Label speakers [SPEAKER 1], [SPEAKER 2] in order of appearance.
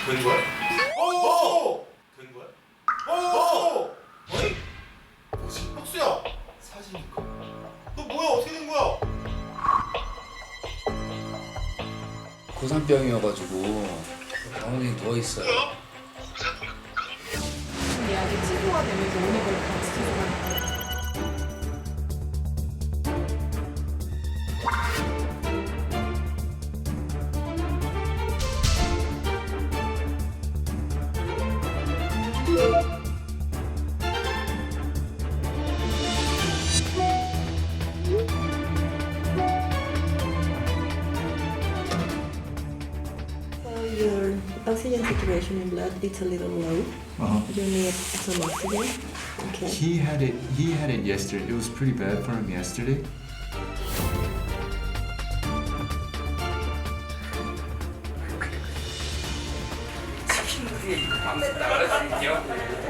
[SPEAKER 1] 된 거야? 오! 된 거야? 오! 어이? 뭐지? 혁수야! 사진인가? 너 뭐야? 어떻게 된 거야?
[SPEAKER 2] 고산병이어가지고 병원에 누워 있어요.
[SPEAKER 3] 약이 치료가 되면서 오는 걸 같이 치료하니까.
[SPEAKER 4] Your oxygen saturation in blood it's a little low. You need some oxygen. Okay.
[SPEAKER 5] He had it yesterday. It was pretty bad for him yesterday.
[SPEAKER 2] 치킨들이 밤새 나갈 수 있냐고.